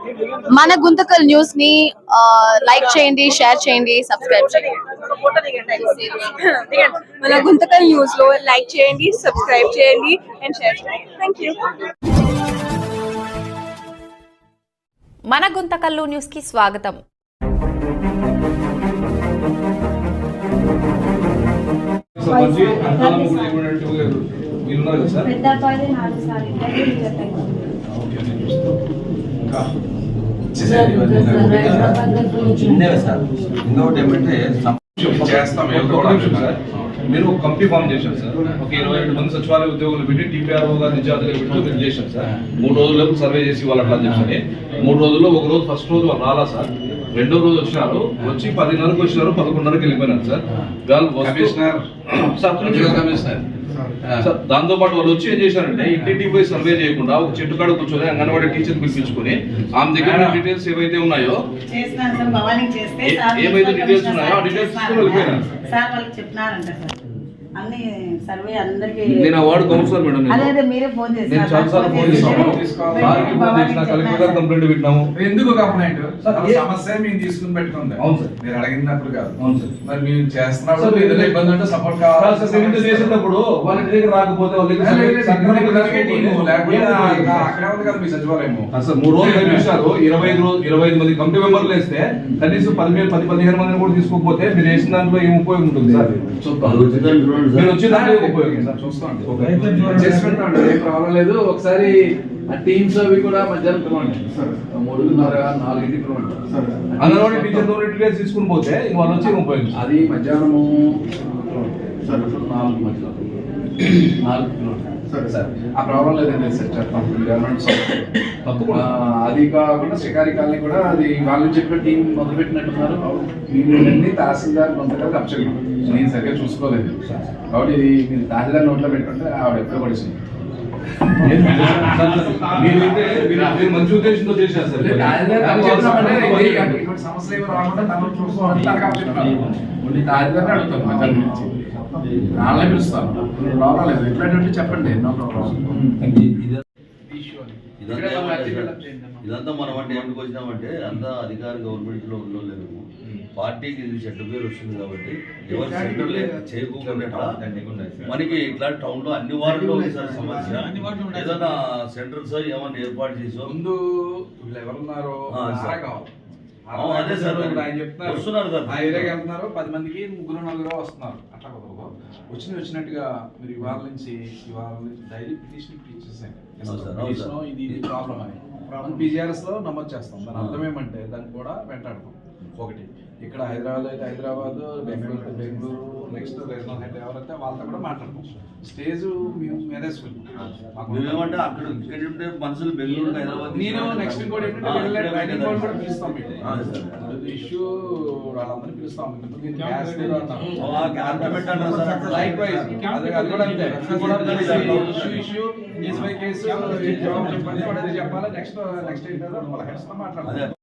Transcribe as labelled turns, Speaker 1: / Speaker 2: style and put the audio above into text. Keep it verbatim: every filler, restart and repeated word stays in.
Speaker 1: మన గుంతకల్ న్యూస్ ని లైక్ చేయండి, షేర్ చేయండి, సబ్స్క్రైబ్ చేయండి.
Speaker 2: మన గుంతకల్ న్యూస్ లో లైక్ చేయండి, సబ్స్క్రైబ్ చేయండి అండ్ షేర్ చేయండి. థాంక్యూ.
Speaker 3: మన గుంతకల్లు న్యూస్ కి స్వాగతం.
Speaker 4: మీరు ఒక కంపెనీ ఫామ్ చేశారు సార్. ఒక ఇరవై ఏడు మంది సచివాలయ ఉద్యోగులు పెట్టి టీపీఆర్ఓ గారు నిజాతుగా పెట్టి మీరు చేశారు సార్. మూడు రోజులకు సర్వే చేసి వాళ్ళు అట్లా చెప్పని మూడు రోజుల్లో ఒక రోజు ఫస్ట్ రోజు వాళ్ళు రాలా సార్. రెండో రోజు వచ్చినారు, వచ్చి పదిన్నరకు వచ్చినారు, పదకొండున్నరకు వెళ్ళిపోయినారు సార్. కమిషనర్ కమిషనర్ సార్ దాంతో పాటు వాళ్ళు వచ్చి ఏం చేశారంటే ఇంటింటికి పోయి సర్వే చేయకుండా ఒక చెట్టు కాడ కూర్చొని అంగన్వాడీ టీచర్ పిలిపించుకొని ఆమె దగ్గర డీటెయిల్స్ ఏవైతే ఉన్నాయో ఏమైతే డీటెయిల్స్ ఉన్నాయో ఆ డీటెయిల్స్ తీసుకుని వెళ్ళిపోయినారు
Speaker 5: సార్. వాళ్ళకి చెప్పినారంట సార్ అన్ని సర్వే అందరికి.
Speaker 4: నేను అవార్డు కౌన్సిలర్ మేడం,
Speaker 5: అదే అదే మీరే ఫోన్ చేశారు.
Speaker 4: నేను చాలా సార్లు ఫోన్ చేశాను, కలెక్టర్ కంప్లైంట్ పెట్టినాము.
Speaker 6: ఎందుకు కంప్లైంట్? సమస్య మేము తీసుకుని పెట్టుకుంది. అవును సార్, మీరు అడిగినప్పుడు కాదు. అవును సార్, మరి మీరు చేస్తున్నప్పుడు ఏదైనా ఇబ్బంది ఉంటే సపోర్ట్ కావాలి సార్. మీరు చేసేటప్పుడు వాళ్ళ ఇంటి దగ్గర రాకపోతే వాళ్ళ అక్కడే ఉంది కదా మీ సచివాలయం.
Speaker 4: అసలు మూడు రోజులు కనిపించారు, ఇరవై ఐదు రోజు ఇరవై ఐదు మంది కమిటీ మెంబర్లు వేస్తే కనీసం పదిహేను పది పదిహేను మందిని కూడా తీసుకోకపోతే మీరు వేసిన దాంట్లో ఏం ఉపయోగం ఉంటుంది సార్? మీరు వచ్చే దాంట్లో ఉపయోగం సార్. చూస్తాం,
Speaker 6: ఏం ప్రాబ్లం లేదు. ఒకసారి ఆ టీమ్స్ అవి కూడా మధ్యాహ్నం పిలవండి, మూడున్నర నాలుగింటికి పిలవండి.
Speaker 4: అంగన్వాడీ టీచర్ డీటెయిల్స్ తీసుకుని పోతే వాళ్ళు వచ్చి ఉపయోగం.
Speaker 6: అది మధ్యాహ్నము నాలుగు మధ్యలో నాలుగు సరే సార్, ఆ ప్రాబ్లం లేదండి సార్. చెప్తాం గవర్నమెంట్ అది కాకుండా షికారి కాలనీ కూడా అది వాళ్ళు చెప్పిన టీం మొదలు పెట్టినట్టున్నారు. వీళ్ళన్నీ తహసీల్దార్ కొంతకాలం అప్చెప్పాం, నేను సరిగ్గా చూసుకోలేదు కాబట్టి ఇది మీరు తహసీల్దార్ నోట్లో పెట్టుంటే ఆవిడ ఎప్పుడు పడిచింది.
Speaker 4: మంచి ఉద్దేశంతో చేశారు సార్.
Speaker 6: ఇటువంటి సమస్యలు ఏమి రాకుండా తను చూసుకోవాలని తహసీల్దార్ని అడుగుతాను మధ్యాహ్నం నుంచి. వాళ్ళే పిలుస్తాను, ప్రాబ్లం లేదు. ఎట్లాంటి చెప్పండి, నో ప్రాబ్లం.
Speaker 7: ఇదంతా మనం అంటే ఏమిటికి వచ్చినామంటే అంతా అధికార గవర్నమెంట్ లో ఉండలేము. పార్టీకి ఇది చెడ్డ పేరు వస్తుంది కాబట్టి ఎవరు సెంటర్ చేయకుండా మనకి ఇట్లా టౌన్ లో అన్ని వార్డుల్లో ఉంది సార్ సమస్య. ఏదైనా సెంటర్స్ ఏమన్నా ఏర్పాటు చేసి
Speaker 6: ముందు వీళ్ళు ఎవరున్నారో
Speaker 7: అదే సార్
Speaker 6: ఆయన చెప్తున్నారు,
Speaker 7: వస్తున్నారు కదా
Speaker 6: ఆ ఏరియాకి వెళ్తున్నారు, పది మందికి ముగ్గురు నలుగురు వస్తున్నారు. అట్లా కుదరదు. వచ్చిన వచ్చినట్టుగా మీరు ఇవాళ నుంచి ఇవాళ నుంచి డైలీ పిటిషన్ ఇచ్చేసాను ఇది ఇది ప్రాబ్లం అని పీజీఆర్ఎస్ లో నమోదు చేస్తాం. దాని అర్థం ఏమంటే దాన్ని కూడా వెంటాడతాం. ఒకటి ఇక్కడ హైదరాబాద్ అయితే హైదరాబాద్, బెంగళూరు అయితే బెంగళూరు, నెక్స్ట్ రీజనల్ హెడ్ ఎవరైతే వాళ్ళతో కూడా మాట్లాడతాం. స్టేజ్ మేము మేనేజ్మెంట్
Speaker 7: మేమేమంటే అక్కడ ఇక్కడ ఉంటే మనుషులు బెంగళూరు హైదరాబాద్.
Speaker 6: నేను నెక్స్ట్ ఇంకోటి ఏంటంటే కూడా పిలుస్తాం. ఇష్యూ వాళ్ళందరినీ పిలుస్తాం. ఇష్యూ కేసు జవాబు చెప్పాలి, చెప్పాలి. నెక్స్ట్ నెక్స్ట్ ఏంటో వాళ్ళ హెడ్స్ తో మాట్లాడాలి.